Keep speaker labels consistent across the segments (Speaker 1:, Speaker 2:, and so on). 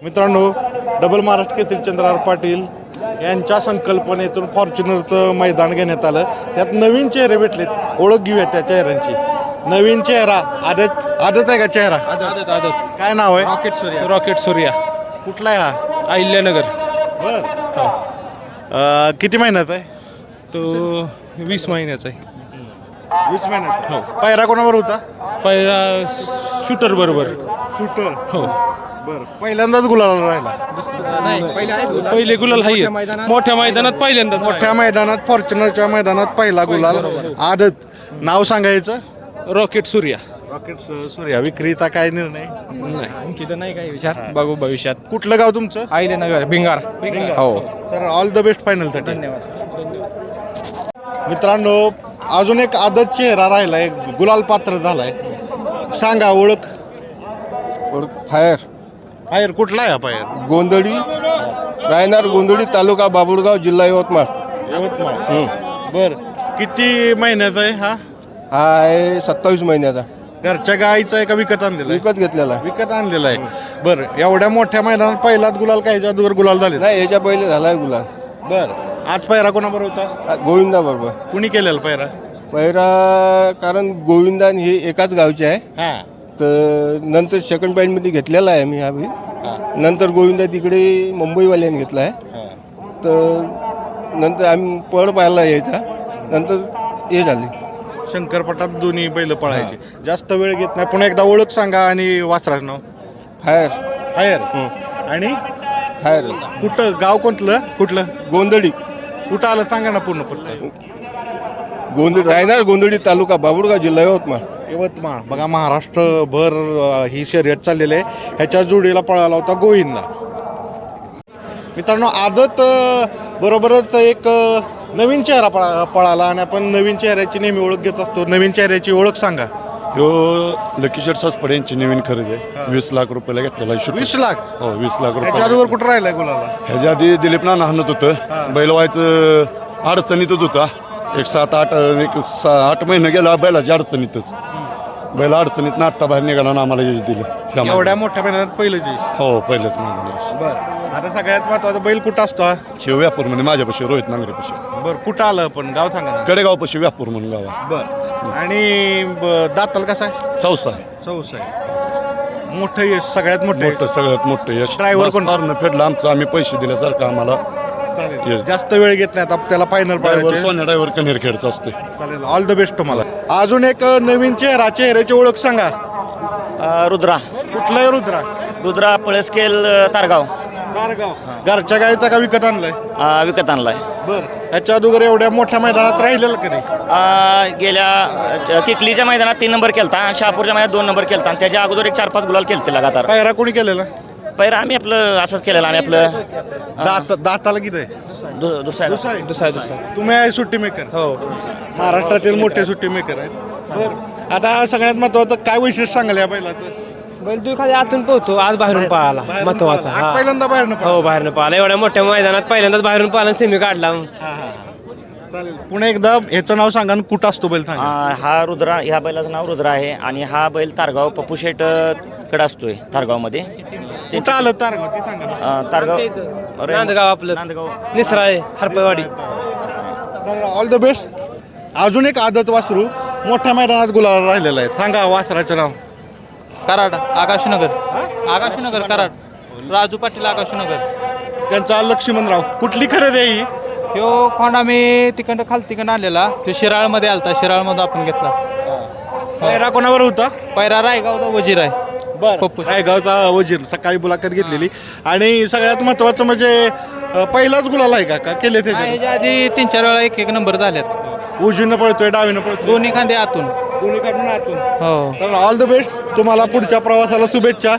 Speaker 1: मित्रांनो, डबल महाराष्ट्र केसरी चंद्रहार पाटील यांच्या संकल्पनेतून फॉर्च्युनरचं मैदान घेण्यात आलं. त्यात नवीन चेहरे भेटलेत. ओळख घेऊया त्या चेहऱ्यांची. नवीन चेहरा आदत आहे का चेहरा?
Speaker 2: आदत
Speaker 1: काय नाव आहे?
Speaker 2: रॉकेट सूर्या
Speaker 1: कुठला आहे हा?
Speaker 2: अहिल्यानगर.
Speaker 1: बर, किती महिन्यात आहे?
Speaker 2: तो 20 महिन्याचा आहे.
Speaker 1: 20 महिन्यात. हो. पायरा कोणावर होता?
Speaker 2: पहिला शूटर बरोबर.
Speaker 1: शूटर.
Speaker 2: हो.
Speaker 1: बर, पहिल्यांदाच गुलाला राहिला.
Speaker 2: पहिले गुलाल हाय मोठ्या मैदानात पहिल्यांदा.
Speaker 1: मोठ्या मैदानात फॉर्च्युनरच्या मैदानात पहिला गुलाल. आदत. नाव सांगायचं?
Speaker 2: रॉकेट सूर्या.
Speaker 1: रॉकेट सूर्या. विक्रीचा काय निर्णय?
Speaker 2: आणखी तर नाही काही विचार, बघू भविष्यात.
Speaker 1: कुठलं गाव तुमचं?
Speaker 2: अहिल्यानगर भिंगार. हो
Speaker 1: सर, ऑल द बेस्ट फायनलसाठी.
Speaker 2: धन्यवाद.
Speaker 1: मित्रांनो, अजून एक आदत चेहरा राहिलाय, गुलाल पात्र झालाय. सांगा ओळख. फायर कुठला आहे हा फायर?
Speaker 3: गोंधळी रायनार गोंधळी तालुका बाबुळगाव जिल्हा यवतमाळ.
Speaker 1: बर, किती महिन्याचा आहे हा?
Speaker 3: हा आहे 27 महिन्याचा.
Speaker 1: घरच्या गाईचा आहे का विकत आणलेला आहे?
Speaker 3: विकत घेतलेला आहे.
Speaker 1: विकत आणलेला आहे. बर, एवढ्या मोठ्या मैदानात पहिलाच गुलाल काय जादूवर गुलाल झाले?
Speaker 3: नाही, याच्या पहिले झालाय गुलाल.
Speaker 1: बर, आज पायरा कोणाबरोबर होता?
Speaker 3: गोविंदा बरोबर
Speaker 1: कुणी केलेला पायरा?
Speaker 3: पहिला, कारण गोविंदान हे एकाच गावचे आहे.
Speaker 1: हा.
Speaker 3: तर नंतर सेकंड पॉईंट मध्ये घेतलेला आहे मी हा बी.
Speaker 1: हा.
Speaker 3: नंतर गोविंदा तिकडे मुंबईवाल्याने घेतला आहे.
Speaker 1: हा.
Speaker 3: तर नंतर आम्ही पळ पाहायला यायचा. नंतर हे झाले
Speaker 1: शंकरपटात दोन्ही बैल पळायचे. जास्त वेळ घेत नाही. पुन्हा एकदा ओळख सांगा आणि वासराचं नाव.
Speaker 3: फायर.
Speaker 1: फायर. आणि
Speaker 3: फायर
Speaker 1: कुठं गाव कुठलं?
Speaker 3: गोंधळी.
Speaker 1: कुठं आलं सांगा ना पूर्ण फक्त.
Speaker 3: गोंधळी रायनार गोंधळी तालुका बाबुळगाव जिल्हा यवतमाळ.
Speaker 1: यवतमाळ. बघा, महाराष्ट्रभर ही शर्यत चाललेली आहे. ह्याच्या जोडीला पळाला होता गोविंदा. मित्रांनो, आदत बरोबरच एक नवीन चेहरा पळाला आणि आपण नवीन चेहऱ्याची नेहमी ओळख घेत असतो. नवीन चेहऱ्याची ओळख सांगा.
Speaker 4: ह्यो लकी शेट सासपडे यांची नवीन खरेदी आहे. 20 लाख रुपयाला घेतलेला आहे.
Speaker 1: 20 लाख.
Speaker 4: हो, 20 लाख रुपये.
Speaker 1: त्याच्यावर कुठं राहिलाय गुलाला?
Speaker 4: ह्याच्या आधी दिलीप नाना हाणत होतं. बैल व्हायचं अडचणीतच होता. एक 7-8 महिने गेला बैलाच्या अडचणीतच. बैल अडचणीत ना आत्ता बाहेर निघाला ना आम्हाला यश दिलं.
Speaker 1: एवढ्या मोठ्या मैदानात पहिलं जे.
Speaker 4: हो, पहिलंच महिन्यात.
Speaker 1: बर, आता सगळ्यात महत्वाचा बैल कुठं असतो हा?
Speaker 4: शिव व्यापूरमध्ये माझ्यापाशी रोहित नांगरेपाशी.
Speaker 1: बर, कुठं आलं पण गाव सांगा ना.
Speaker 4: कडेगावपाशी व्यापूर म्हणून गाव आहे.
Speaker 1: बर, आणि दाताल कसा आहे?
Speaker 4: चौसा आहे.
Speaker 1: चौसा आहे. मोठं यश, सगळ्यात
Speaker 4: मोठं सगळ्यात मोठं यश.
Speaker 1: ड्रायव्हर कोण?
Speaker 4: फारनं फेडलं आमचं. आम्ही पैसे दिल्यासारखं आम्हाला.
Speaker 1: चालेल, जास्त वेळ घेत नाही. आता त्याला फायनल पाहिजे.
Speaker 4: सोन्या ड्रायव्हर कनेरखेडचा असतोय.
Speaker 1: चालेल, ऑल द बेस्ट तुम्हाला. अजून एक नवीन चेहऱ्याची ओळख सांगा.
Speaker 5: रुद्रा.
Speaker 1: कुठला आहे रुद्रा?
Speaker 5: रुद्रा पळसकेल तारगाव.
Speaker 1: कारगाव. घरच्या गाईचा का विकत आणलाय?
Speaker 5: विकत आणलाय.
Speaker 1: बर, ह्याच्या अगोदर एवढ्या मोठ्या मैदानात राहिलेलं का नाही?
Speaker 5: गेल्या किकलीच्या मैदानात 3 नंबर केलता आणि शहापूरच्या मैदानात 2 नंबर केलता आणि त्याच्या अगोदर एक 4-5 गुलाल केलते लगातार.
Speaker 1: पायरा कोणी केलेला?
Speaker 5: पहिला आम्ही आपलं असंच केलेलं. आम्ही आपलं
Speaker 1: दाताला किती आहे?
Speaker 5: दुसरा.
Speaker 1: तुम्ही आहे सुट्टी मेकर?
Speaker 2: हो.
Speaker 1: महाराष्ट्रातील मोठे सुट्टी मेकर आहेत. बर, आता सगळ्यात महत्वाचं काय वैशिष्ट्य सांगाल या बैलाचं?
Speaker 2: बैल तू खाली आतून पोहतो, आज बाहेरून पळाला. महत्वाचा.
Speaker 1: आज पहिल्यांदा बाहेरनं
Speaker 2: हो, बाहेरून पळाला. एवढ्या मोठ्या मैदानात पहिल्यांदाच बाहेरून पळाला. सेमी काढला.
Speaker 1: चालेल, पुन्हा एकदा ह्याचं नाव सांगा आणि कुठं असतो बैल सांगा.
Speaker 5: हा रुद्रा, ह्या बैलाचं नाव रुद्रा आहे आणि हा बैल तारगाव पप्पू शेट कडे असतोय तारगावमध्ये.
Speaker 1: कुठं आलं तारगाव ते सांगा ना.
Speaker 5: तारगाव
Speaker 2: नांदगाव आपलं.
Speaker 5: नांदगाव
Speaker 2: निसरा आहे, हरपवाडी.
Speaker 1: तर ऑल द बेस्ट. अजून एक आदत वासरू मोठ्या मैदानात गुलाल राहिलेला आहे. सांगा वासराचं नाव.
Speaker 6: कराड. आकाशनगर. आकाशनगर कराड. राजू पाटील आकाशनगर.
Speaker 1: त्यांचा लक्ष्मणराव. कुठली खरेदी आहे ही?
Speaker 6: ह्यो खोंड आम्ही तिकडं तिकडं आणलेला. तो शिराळमध्ये आलता. शिराळमध्ये आपण घेतला.
Speaker 1: पायरा कोणावर होता?
Speaker 6: पैरा रायगावचा वजीर आहे. पप्पू.
Speaker 1: गावचा वजीर. सकाळी मुलाखत घेतलेली. आणि सगळ्यात महत्वाचं म्हणजे पहिलाच गुलाल आहे का केले ते?
Speaker 6: ह्याच्या आधी 3-4 वेळा एक नंबर झाल्यात.
Speaker 1: उजवीनं पळतोय, डावीनं पळतोय?
Speaker 6: दोन्ही खांदे आतून.
Speaker 1: दोन्ही काढून आतून.
Speaker 6: हो.
Speaker 1: तर ऑल द बेस्ट तुम्हाला. पुढच्या प्रवासाला शुभेच्छा.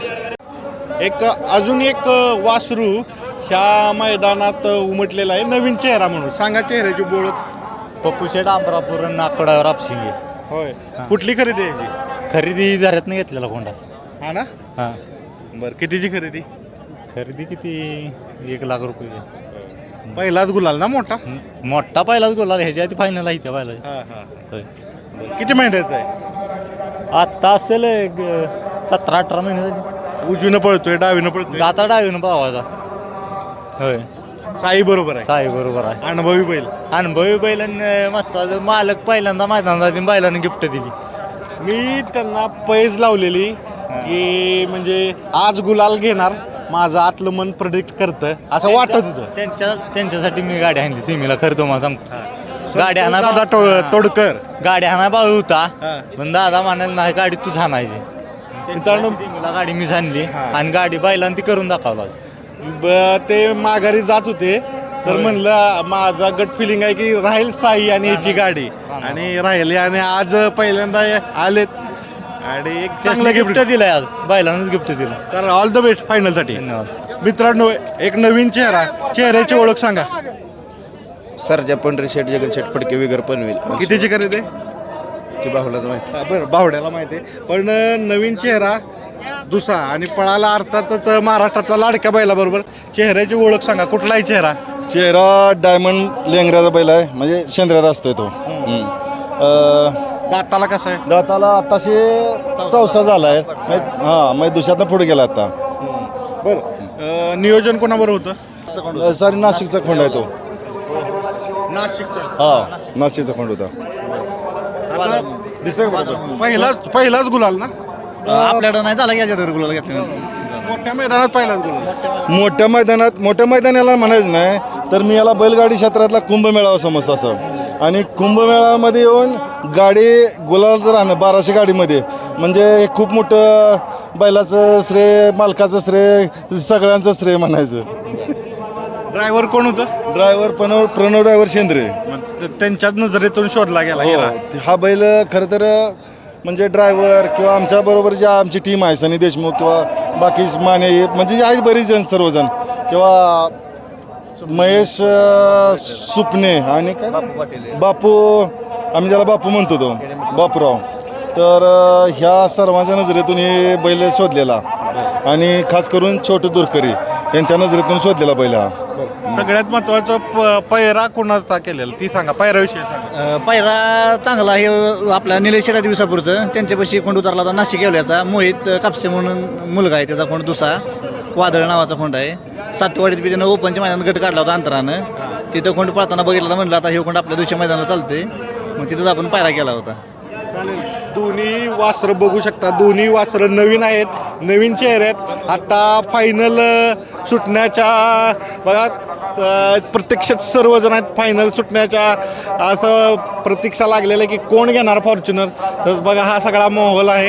Speaker 1: अजून एक वासरू ह्या मैदानात उमटलेला आहे, नवीन चेहरा म्हणून. सांगा चेहऱ्याची ओळख.
Speaker 7: पप्पू शेठ अमरापूर नाकडा रापशिंगे.
Speaker 1: होय. कुठली खरेदी आहे याची?
Speaker 7: खरेदी झऱ्यातनं घेतलेला कोंडा.
Speaker 1: हा ना.
Speaker 7: हां.
Speaker 1: बरं, कितीची खरेदी?
Speaker 7: खरेदी किती? 1 लाख रुपये.
Speaker 1: पहिलाच गुलाल ना मोठा?
Speaker 7: मोठा पहिलाच गोला. ह्याच्या आधी फायनल आहे त्या पहिला. होय.
Speaker 1: किती महिन्यात आहे?
Speaker 7: आत्ता असेल 17-18 महिने झाले.
Speaker 1: उजवीनं पळतोय डावीनं पळतोय
Speaker 7: आता डावीनं भावाचा होय
Speaker 1: साई बरोबर आहे
Speaker 7: साई बरोबर आहे
Speaker 1: अनुभवी बैल
Speaker 7: अनुभवी बैलांनी महत्वाचं मालक पहिल्यांदा मैदानात बैलांनी गिफ्ट दिली
Speaker 1: मी त्यांना पैज लावलेली की म्हणजे आज गुलाल घेणार माझं आतलं मन प्रेडिक्ट करतं असं वाटत होतं
Speaker 7: त्यांच्यासाठी मी गाडी आणली सिमीला खरं तुम्हाला सांगतो गाडी आणा
Speaker 1: दादा तोडकर
Speaker 7: गाडी आणा बाळू होता
Speaker 1: हा.
Speaker 7: पण दादा म्हणाल नाही गाडी तूच आणायची
Speaker 1: मित्रांनो
Speaker 7: सिमीला गाडी मीच आणली
Speaker 1: हा.
Speaker 7: आणि गाडी बैलांनी ती करून दाखवला
Speaker 1: ते माघारी जात होते तर म्हणलं माझा गट फिलिंग आहे की राहील साई आणि याची गाडी आणि राहिली आणि आज पहिल्यांदा आलेत आणि एक चांगलं
Speaker 7: गिफ्ट
Speaker 1: गिफ्ट
Speaker 7: दिलंय आज बैलांनाच गिफ्ट दिलं
Speaker 1: sir all the best final साठी
Speaker 7: धन्यवाद
Speaker 1: मित्रांनो एक नवीन चेहऱ्याची ओळख सांगा
Speaker 3: सरजा पंढरी शेठ जगन शेठ फडके वगैरे पनवेल
Speaker 1: कितीची खरेदी आहे?
Speaker 3: ती बाहुलाच माहिती
Speaker 1: बरं बावड्याला माहिती आहे पण नवीन चेहरा दुसरा आणि पळाला अर्थातच महाराष्ट्रातला लाडक्या बैलाबरोबर चेहऱ्याची ओळख सांगा कुठलाही चेहरा
Speaker 4: चेहरा डायमंड लेंगऱ्याचा बैल आहे म्हणजे शेंद्र्यात असतोय तो
Speaker 1: दाताला कसं आहे
Speaker 4: दाताला आताशे चौसा झाला आहे म्हणजे दुसऱ्यातनं पुढे गेला आता
Speaker 1: बरं नियोजन कोणाबरोबर होतं
Speaker 4: सारी नाशिकचा खोंड आहे तो
Speaker 1: नाशिकचा
Speaker 4: हा नाशिकचा खोंड होता
Speaker 1: आता
Speaker 4: दिसतंय का बरोबर?
Speaker 1: पहिलाच गुलाल ना
Speaker 7: आपल्याकडं नाही झाला याच्या गुलाल घेतल्यानंतर
Speaker 1: मोठ्या मैदानात पहिलाच गुलाल
Speaker 4: मोठ्या मैदानाला म्हणायचं नाही तर मी याला बैलगाडी क्षेत्रातला कुंभमेळावा समजतो असं आणि कुंभमेळ्यामध्ये येऊन गाडी गुलाल जर आणणं 1200 गाडीमध्ये म्हणजे हे खूप मोठं बैलाचं श्रेय मालकाचं श्रेय सगळ्यांचं श्रेय म्हणायचं
Speaker 1: ड्रायव्हर कोण होतं
Speaker 4: ड्रायव्हर प्रणव ड्रायव्हर शेंद्रे
Speaker 1: त्यांच्याच नजरेतून शोधला गेला गेला.
Speaker 4: हा बैल खरं तर म्हणजे ड्रायव्हर किंवा आमच्या बरोबर जे आमची टीम आहे सनी देशमुख किंवा बाकी माने म्हणजे आहेत बरीच जण सर्वजण किंवा महेश सुपणे आणि काय बापू आम्ही ज्याला बापू म्हणतो तो बापूराव तर ह्या सर्वांच्या नजरेतून हे बैल शोधलेला आणि खास करून छोटू दुरकरी यांच्या नजरेतून शोधलेला बैल हा
Speaker 1: सगळ्यात महत्वाचं पैरा कोणाचा केलेला ती सांगा पैराविषयी सांगा
Speaker 7: पहिला चांगला हे आपला निलेश शेटा दिवसापूरचं त्यांच्यापाशी खोंड उतरला होता नाशिक येवल्याचा मोहित कापसे म्हणून मुलगा आहे त्याचा खोंड दुसरा वादळ नावाचा खोंड आहे सातवाडीत बी त्यानं ओपनच्या मैदानात गट काढला होता अंतरानं तिथं खोंड पळताना बघितलं म्हणलं आता हे खोंड आपल्या दुसऱ्या मैदानाला चालते मग तिथंच आपण पायरा केला होता
Speaker 1: चालेल दोन्ही वासरं बघू शकता दोन्ही वासरं नवीन आहेत नवीन चेहरे आहेत आता फायनल सुटण्याच्या बघा प्रत्यक्षात सर्वजण आहेत फायनल सुटण्याच्या असं प्रतीक्षा लागलेलं आहे की कोण घेणार फॉर्च्युनर तर बघा हा सगळा माहोल आहे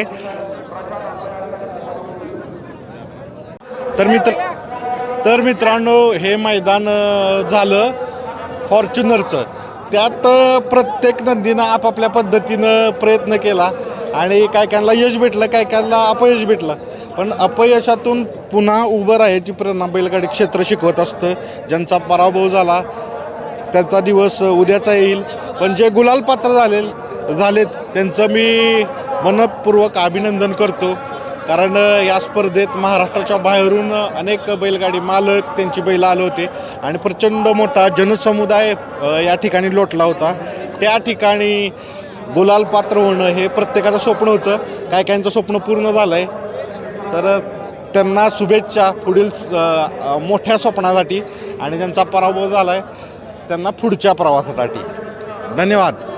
Speaker 1: तर मित्रांनो हे मैदान झालं फॉर्च्युनरचं त्यात प्रत्येक नंदीनं आपापल्या पद्धतीनं प्रयत्न केला आणि काय कायला यश भेटलं काय कायला अपयश भेटलं पण अपयशातून पुन्हा उभं राहायची प्रेरणा बैलगाडी क्षेत्र शिकवत असतं ज्यांचा पराभव झाला त्याचा दिवस उद्याचा येईल पण जे गुलाल पात्र झालेत त्यांचं मी मनपूर्वक अभिनंदन करतो कारण या स्पर्धेत महाराष्ट्राच्या बाहेरून अनेक बैलगाडी मालक त्यांची बैल आले होते आणि प्रचंड मोठा जनसमुदाय या ठिकाणी लोटला होता त्या ठिकाणी गुलाल पात्र होणं हे प्रत्येकाचं स्वप्न होतं काय काहींचं स्वप्न पूर्ण झालं आहे तर त्यांना शुभेच्छा पुढील मोठ्या स्वप्नासाठी आणि ज्यांचा पराभव झाला आहे त्यांना पुढच्या प्रवासासाठी धन्यवाद.